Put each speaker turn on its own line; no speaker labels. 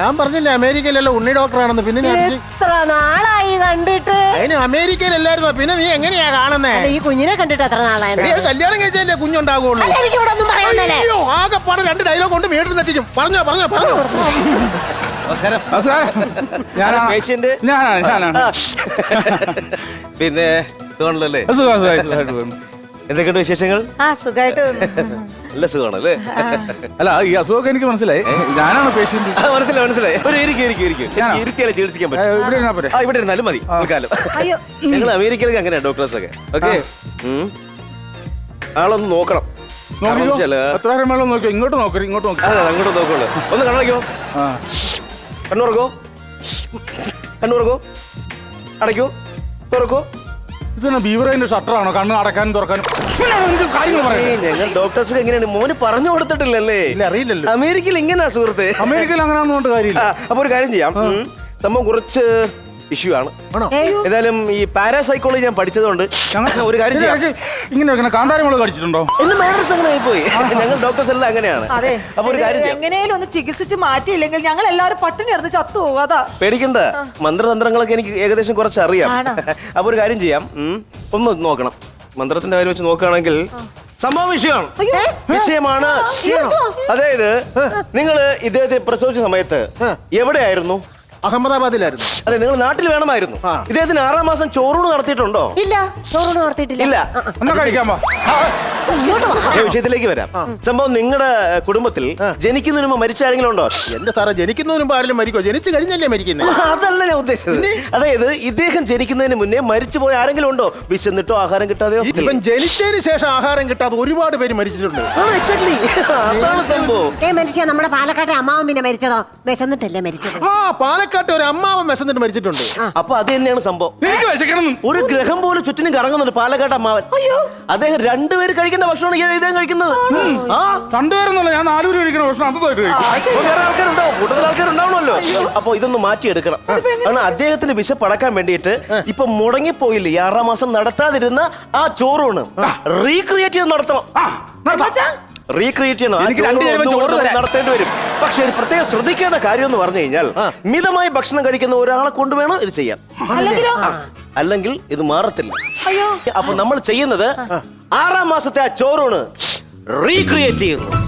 ഞാൻ പറഞ്ഞില്ലേ അമേരിക്കയിലല്ല ഉണ്ണി ഡോക്ടറാണെന്ന്. പിന്നെ
എത്ര നാളായി കണ്ടിട്ട്?
അതിന് അമേരിക്കയിലല്ലായിരുന്നു. പിന്നെ നീ എങ്ങനെയാ കാണുന്നേ?
ഈ കുഞ്ഞിനെ കണ്ടിട്ട് എത്ര നാളായി?
കല്യാണം കഴിച്ചല്ലേ കുഞ്ഞുണ്ടാകുള്ളൂ. ആകെപ്പാടെ 2 ഡയലോഗ് കൊണ്ട് വീട്ടിൽ എത്തിക്കും. പറഞ്ഞോ.
നമസ്കാരം.
പേഷ്യന്റ്
ഞാനാണ്.
പിന്നെ സുഖമാണല്ലേ? എന്തൊക്കെയുണ്ട് വിശേഷങ്ങൾ?
സുഖമായിട്ട്.
നല്ല സുഖമാണല്ലേ?
അല്ല, ഈ അസുഖമൊക്കെ എനിക്ക് മനസ്സിലായി. ഞാനാണ് പേഷ്യന്റ്.
മനസ്സിലായി. ഒരു ഇരുത്തിയാലേ ചികിത്സിക്കാൻ പറ്റും. ഇവിടെ ഇരുന്നാലും മതി തൽക്കാലം. ഞങ്ങൾ അമേരിക്കയിലേക്ക് അങ്ങനെയാ ഡോക്ടേഴ്സ് ഒക്കെ. ഓക്കെ, ആളൊന്ന് നോക്കണം.
എത്ര മേളം നോക്കിയോ? ഇങ്ങോട്ട് നോക്കരുത്, ഇങ്ങോട്ട് നോക്കി.
അതെ, അങ്ങോട്ട് നോക്കുള്ളൂ. ഒന്ന് കണ്ണടയ്ക്കോ. കണ്ണുറക്കോ. അടയ്ക്കോ, തുറക്കോ.
ഇതന്നെ ബീവറേന്റെ ഷട്ടറാണോ കണ്ണ് അടക്കാനും തുറക്കാനും?
ഞങ്ങൾ ഡോക്ടേഴ്സ് എങ്ങനെയാണ് മോന് പറഞ്ഞു കൊടുത്തിട്ടില്ലല്ലേ?
അറിയില്ലല്ലോ.
അമേരിക്കയിൽ ഇങ്ങനെയാ സുഹൃത്ത്.
അമേരിക്കയിൽ അങ്ങനെയാണെന്നുകൊണ്ട് കാര്യമില്ല.
അപ്പൊ ഒരു കാര്യം ചെയ്യാം. സംഭവം കുറച്ച് ഇഷ്യൂ ആണ്. ഏതായാലും ഈ പാരാസൈക്കോളജി ഞാൻ പഠിച്ചതുകൊണ്ട് ഒരു കാര്യം ചെയ്യാം.
ഇങ്ങനെ കാന്താരിമുളക് കടിച്ചിട്ടുണ്ടോ?
പോയി. ഞങ്ങൾ ഡോക്ടേഴ്സ് എല്ലാം അങ്ങനെയാണ്. അപ്പൊ ഒരു കാര്യം
എങ്ങനെയും ഒന്ന് ചികിത്സിച്ച് മാറ്റിയില്ലെങ്കിൽ ഞങ്ങൾ എല്ലാവരും പട്ടിണി എടുത്ത് ചത്തുപോകും. അതാ
പേടിക്കണ്ട. മന്ത്രതന്ത്രങ്ങളൊക്കെ എനിക്ക് ഏകദേശം കുറച്ച് അറിയാം. അപ്പൊ ഒരു കാര്യം ചെയ്യാം. ഒന്ന് നോക്കണം. മന്ത്രത്തിന്റെ കാര്യം വെച്ച് നോക്കുകയാണെങ്കിൽ സംഭവ വിഷയമാണ്. അതായത് നിങ്ങള് ഇദ്ദേഹത്തെ പ്രസവിച്ച സമയത്ത് എവിടെയായിരുന്നു?
അഹമ്മദാബാദിലായിരുന്നു.
അതെ, നിങ്ങൾ നാട്ടിൽ വേണമായിരുന്നു. ഇദ്ദേഹത്തിന് 6ാം മാസം ചോറൂണ് നടത്തിയിട്ടുണ്ടോ?
ഇല്ല, ചോറൂണ് നടത്തിയിട്ടില്ല.
ഇല്ല.
വിഷയത്തിലേക്ക്
വരാം. സംഭവം നിങ്ങളുടെ കുടുംബത്തിൽ ജനിക്കുന്നതിന് മുമ്പ് മരിച്ച ആരെങ്കിലും ഉണ്ടോ?
എന്റെ സാറേ, ജനിക്കുന്നതിന് മുമ്പ് ആരെങ്കിലും മരിക്കോ? ജനിച്ചു കഴിഞ്ഞല്ലേ മരിക്കുന്നത്?
അതല്ല ഞാൻ ഉദ്ദേശിച്ചത്. അതായത് ഇദ്ദേഹം ജനിക്കുന്നതിന് മുന്നേ മരിച്ചുപോയ ആരെങ്കിലും ഉണ്ടോ? വിശന്നിട്ടോ ആഹാരം കിട്ടാതെയോ?
ഇവൻ ജനിച്ചതിന് ശേഷം ആഹാരം കിട്ടാതെ ഒരുപാട് പേര് മരിച്ചിട്ടുണ്ട്.
അതാണ് സംഭവം.
മരിച്ച നമ്മുടെ പാലക്കാട്ടെ അമ്മാവൻ പിന്നെ മരിച്ചതോ? വിശന്നിട്ടല്ലേ മരിച്ചത്?
പാലക്കാട്ടെ ഒരു അമ്മാവൻ വിശന്നിട്ട് മരിച്ചിട്ടുണ്ട്.
അപ്പൊ അത് തന്നെയാണ് സംഭവം. ഒരു ഗ്രഹം പോലും ചുറ്റിനും കറങ്ങുന്നുണ്ട് പാലക്കാട് അമ്മാവൻ. അദ്ദേഹം 2 പേര് കഴിക്കേണ്ട ഭക്ഷണമാണ് ഇദ്ദേഹം കഴിക്കുന്നത്.
2 പേരൊന്നുമല്ല, ഞാൻ 4 പേര് കഴിക്കുന്ന ഭക്ഷണം
വേറെ ആൾക്കാരുണ്ടോ? കൂടുതൽ ആൾക്കാരുണ്ടാവണമല്ലോ. അപ്പൊ ഇതൊന്ന് മാറ്റിയെടുക്കണം. കാരണം അദ്ദേഹത്തിന് വിശപ്പടക്കാൻ വേണ്ടിയിട്ട് ഇപ്പൊ മുടങ്ങിപ്പോയില്ലേ 6ാം മാസം നടത്താതിരുന്ന ആ ചോറൂണ് റീക്രിയേറ്റ് ചെയ്ത് നടത്തണം. റീക്രിയേറ്റ് ചെയ്യണം, നടത്തേണ്ടി വരും. പക്ഷെ പ്രത്യേകം ശ്രദ്ധിക്കേണ്ട കാര്യം എന്ന് പറഞ്ഞു കഴിഞ്ഞാൽ മിതമായി ഭക്ഷണം കഴിക്കുന്ന ഒരാളെ കൊണ്ടുവേണം ഇത് ചെയ്യാൻ. അല്ലെങ്കിൽ ഇത് മാറത്തില്ല. അപ്പൊ നമ്മൾ ചെയ്യുന്നത് 6ാം മാസത്തെ ആ ചോറൂണ് റീക്രിയേറ്റ് ചെയ്യുന്നു.